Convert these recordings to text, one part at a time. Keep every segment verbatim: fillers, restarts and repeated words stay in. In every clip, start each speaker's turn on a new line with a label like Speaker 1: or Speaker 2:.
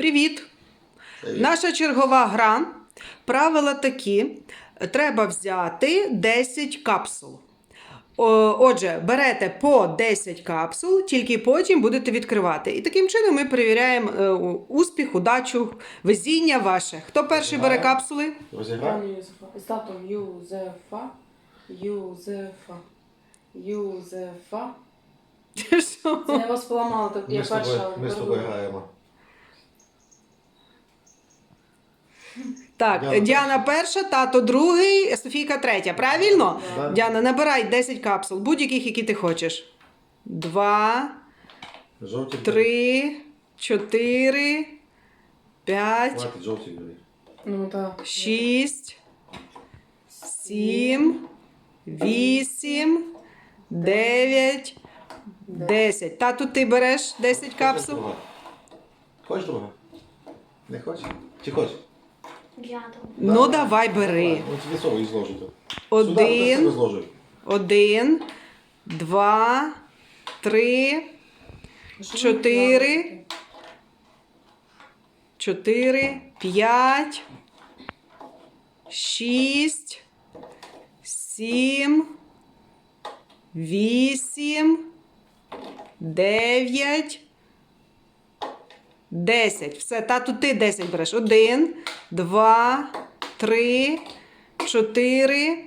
Speaker 1: Привіт!
Speaker 2: Привіт.
Speaker 1: Наша чергова гра. Правила такі. Треба взяти десять капсул. О, Отже, берете по десять капсул, тільки потім будете відкривати. І таким чином ми перевіряємо е, успіх, удачу, везіння ваше. Хто перший бере капсули?
Speaker 2: Розіграв?
Speaker 3: Пані Юзефа. З датом Юзефа. Юзефа. Юзефа.
Speaker 1: Що?
Speaker 3: Це я вас поламала, так я
Speaker 2: Ми з тобою,
Speaker 3: перша.
Speaker 2: ми з тобою граємо.
Speaker 1: Так,
Speaker 2: Діана
Speaker 1: Діана перша, тато другий, Софійка третя. Правильно?
Speaker 2: Да.
Speaker 1: Діана, набирай десять капсул, будь-яких, які ти хочеш. Два,
Speaker 2: Жовті.
Speaker 1: три, чотири, п'ять,
Speaker 2: Хватить, жовті бери.
Speaker 3: Ну так.
Speaker 1: шість, сім, вісім, дев'ять, десять. Тату, ти береш десять капсул?
Speaker 2: Хочеш друга? Хочеш друга? Не хочеш? Чи хочеш?
Speaker 1: Ну, давай, бери.
Speaker 2: Ну, тобі сову і зложити. Сюди,
Speaker 1: Один,
Speaker 2: зложуй.
Speaker 1: один, два, три, чотири, чотири, п'ять, шість, сім, вісім, дев'ять, десять. Все, тату, ти десять береш. Один, два, три, чотири,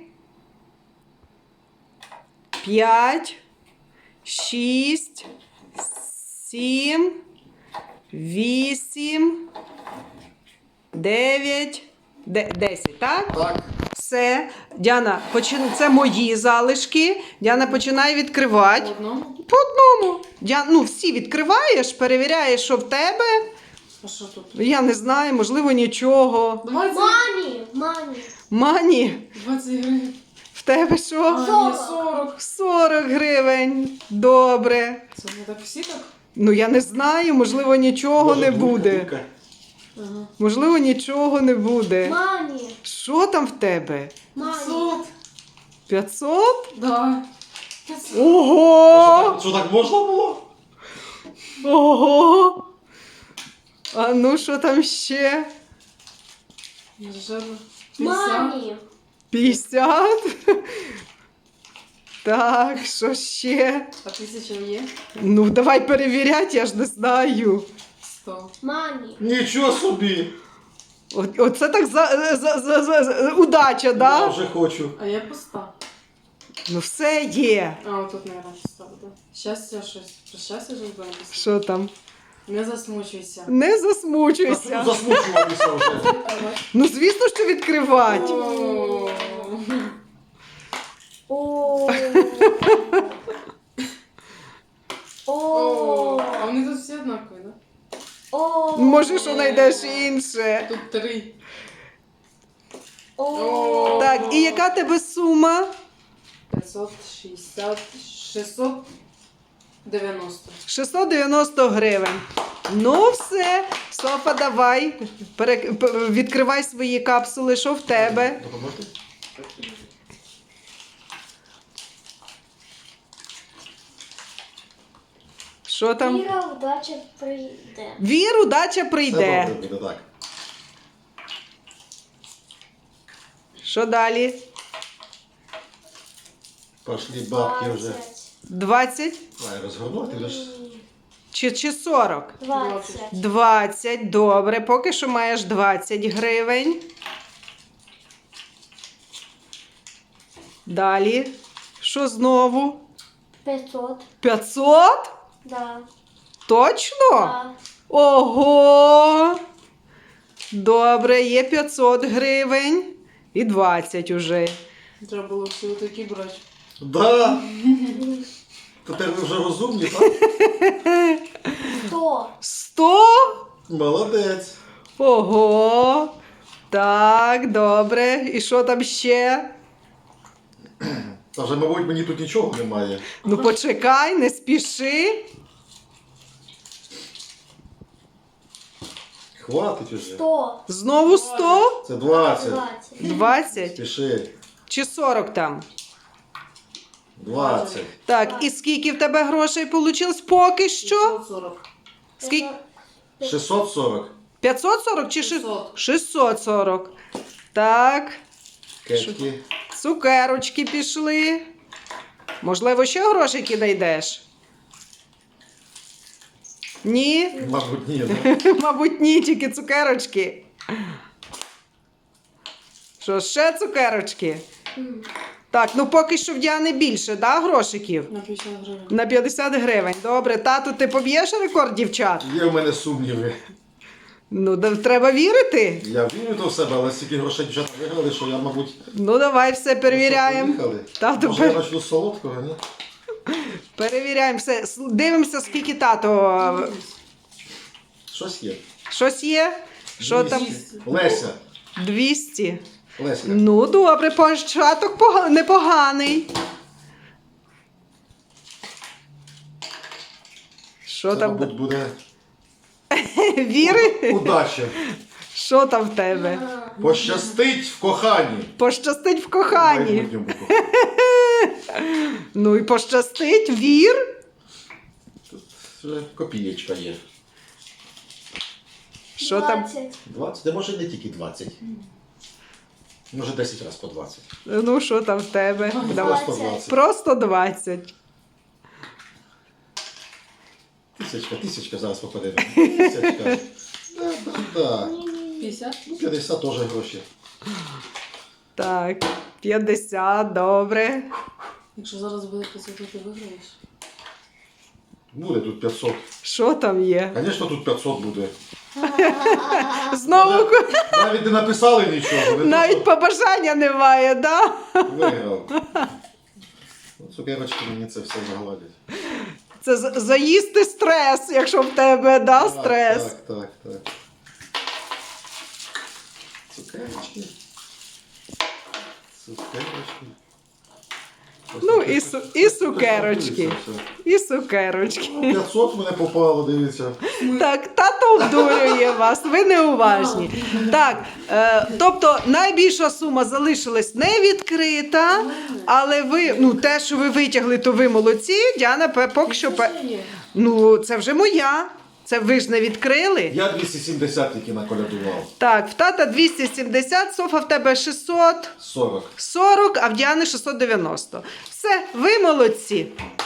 Speaker 1: п'ять, шість, сім, вісім, дев'ять, десять, так?
Speaker 2: Так.
Speaker 1: Все. Діана, почин... це мої залишки. Діана, починай відкривати.
Speaker 3: Одному?
Speaker 1: По одному. Діана, ну, всі відкриваєш, перевіряєш, що в тебе.
Speaker 3: А що тут?
Speaker 1: Я не знаю, можливо, нічого.
Speaker 3: двадцять.
Speaker 4: Мамі, мамі.
Speaker 1: Мані,
Speaker 3: двадцять гривень.
Speaker 1: в тебе що?
Speaker 3: А, ні,
Speaker 4: Сорок.
Speaker 3: сорок.
Speaker 1: сорок гривень. Добре.
Speaker 3: Це не так всі так?
Speaker 1: Ну, я не знаю, можливо, нічого
Speaker 2: Може,
Speaker 1: не
Speaker 2: двійка,
Speaker 1: буде.
Speaker 2: двійка.
Speaker 3: Ага.
Speaker 1: Можливо, нічого не буде.
Speaker 4: Мамі.
Speaker 1: Що там в тебе?
Speaker 4: Мамі.
Speaker 3: п'ятсот.
Speaker 1: п'ятсот?
Speaker 3: Да.
Speaker 1: Ого!
Speaker 2: Що так можна було?
Speaker 1: Ого! А ну, що там ще?
Speaker 3: Жадно. п'ятдесят.
Speaker 4: Мамі.
Speaker 1: п'ятдесят? Так, що ще?
Speaker 3: А тисяча є?
Speaker 1: Ну, давай перевіряти, я ж не знаю.
Speaker 3: сто.
Speaker 4: Мамі.
Speaker 2: Нічого собі.
Speaker 1: О- Оце так за, за, за, за, за- удача,
Speaker 2: Я
Speaker 1: да?
Speaker 2: вже хочу.
Speaker 3: А я пуста.
Speaker 1: Ну, все є.
Speaker 3: А, отут, наверное, пуста буде. Щастя щось. Про щастя ж буде написано.
Speaker 1: Що там?
Speaker 3: Не засмучуйся.
Speaker 1: Не
Speaker 2: А
Speaker 1: засмучуйся.
Speaker 2: тут засмучувалися вже.
Speaker 1: Ну, звісно, що відкривати.
Speaker 3: О.
Speaker 4: О.
Speaker 3: О.
Speaker 4: О.
Speaker 3: А вони тут всі однакові, да?
Speaker 4: О.
Speaker 1: Може, що знайдеш інше.
Speaker 3: Тут три.
Speaker 4: О.
Speaker 1: Так, і яка тебе сума?
Speaker 3: п'ятсот шістдесят, шістсот дев'яносто.
Speaker 1: шістсот дев'яносто гривень. Ну, все. Софа, давай. Пере... п- Відкривай свої капсули. Що в тебе?
Speaker 2: Допоможете?
Speaker 1: Що там?
Speaker 4: Віра, удача прийде.
Speaker 1: Вір, удача
Speaker 2: Все
Speaker 1: прийде.
Speaker 2: добре буде, так.
Speaker 1: Що далі?
Speaker 2: Пошли бабки вже.
Speaker 1: двадцять
Speaker 2: Давай розгорнути вже ж.
Speaker 1: чи, чи сорок?
Speaker 4: Двадцять.
Speaker 1: двадцять, добре. Поки що маєш двадцять гривень. Далі. Що знову?
Speaker 4: П'ятсот.
Speaker 1: п'ятсот?
Speaker 4: Да.
Speaker 1: Точно?
Speaker 4: Да.
Speaker 1: Ого! Добре, є п'ятсот гривень. І двадцять уже.
Speaker 3: Треба було всі такі брати.
Speaker 2: Да. Тепер ви вже розумні, так?
Speaker 4: Сто.
Speaker 1: сто?
Speaker 2: Молодець.
Speaker 1: Ого! Так, добре. І що там ще?
Speaker 2: Та вже, мабуть, мені тут нічого немає.
Speaker 1: Ну почекай, не спіши.
Speaker 2: Хватить уже.
Speaker 4: Сто.
Speaker 1: Знову сто?
Speaker 2: Це двадцять.
Speaker 4: Двадцять.
Speaker 1: двадцять?
Speaker 2: Спіши.
Speaker 1: Чи сорок там?
Speaker 2: двадцять.
Speaker 1: Так, і скільки в тебе грошей вийшло поки що?
Speaker 3: сорок.
Speaker 1: Скільки?
Speaker 2: шістсот сорок.
Speaker 1: п'ятсот сорок чи
Speaker 3: шістсот.
Speaker 1: шістсот сорок. Так,
Speaker 2: Кетки.
Speaker 1: цукерочки пішли. Можливо, ще грошики знайдеш? Ні?
Speaker 2: Мабуть, ні, да?
Speaker 1: Мабуть, ні, тільки цукерочки. Що, ще цукерочки? Так, ну поки що в Діани більше, да, грошиків?
Speaker 3: На п'ятдесят гривень.
Speaker 1: На п'ятдесят гривень. Добре, тату, ти поб'єш рекорд дівчат?
Speaker 2: Є в мене сумніви.
Speaker 1: Ну, да, треба вірити.
Speaker 2: Я вірю до себе, але стільки грошей дівчата виграли, що я, мабуть,
Speaker 1: Ну, давай все перевіряємо.
Speaker 2: поїхали.
Speaker 1: Тату,
Speaker 2: Може, я
Speaker 1: пер-
Speaker 2: почну з солодкого, ні?
Speaker 1: перевіряємо все. С- Дивимося, скільки тато.
Speaker 2: Щось є.
Speaker 1: Щось є? Що там?
Speaker 2: двісті. Леся.
Speaker 1: двісті.
Speaker 2: Леся.
Speaker 1: Ну, добре, початок пога- непоганий. Що
Speaker 2: Це,
Speaker 1: там?
Speaker 2: мабуть, буде
Speaker 1: Віри?
Speaker 2: удача.
Speaker 1: Що там в тебе?
Speaker 2: Пощастить в коханні.
Speaker 1: Пощастить в коханні.
Speaker 2: Майбутньому коханні.
Speaker 1: Ну і пощастить, вір.
Speaker 2: Тут вже копієчка є.
Speaker 1: Що там?
Speaker 4: двадцять.
Speaker 2: двадцять, де може не тільки двадцять. Може десять разів по двадцять.
Speaker 1: Ну, що там в тебе? Давай.
Speaker 2: Просто двадцять.
Speaker 1: Просто двадцять.
Speaker 2: Тисячка, тисячка зараз попаде. Тисячка. Да, да, да.
Speaker 3: п'ятдесят?
Speaker 2: Ну, п'ятдесят теж гроші.
Speaker 1: Так, п'ятдесят, добре.
Speaker 3: Якщо зараз буде п'ятдесят, то ти виграєш.
Speaker 2: Буде тут п'ятсот.
Speaker 1: Що там є?
Speaker 2: Звісно, тут п'ятсот буде.
Speaker 1: Знову ку-
Speaker 2: Навіть не написали нічого. Ви
Speaker 1: навіть побажання немає, да?
Speaker 2: просто виграв. Ну, цукерочки мені це все загладять.
Speaker 1: Це з- заїсти стрес, якщо в тебе, да,
Speaker 2: Так,
Speaker 1: стрес.
Speaker 2: Так, так, так. Цукерочки. Цукерочки.
Speaker 1: Ну, і, су- і цукерочки. І цукерочки.
Speaker 2: Ну, п'ятсот в мене попало, дивіться.
Speaker 1: Так, тато обдурює вас, ви неуважні. Так, е, тобто найбільша сума залишилась не відкрита, але ви, ну те, що ви витягли, то ви молодці. Діана пе- поки що. пе-
Speaker 3: Це є.
Speaker 1: Ну, це вже моя. Це ви ж не відкрили.
Speaker 2: Я двісті сімдесят тільки наколядував.
Speaker 1: Так, в тата двісті сімдесят, Софа в тебе шістсот
Speaker 2: сорок.
Speaker 1: сорок, а в Діани шістсот дев'яносто. Все, ви молодці.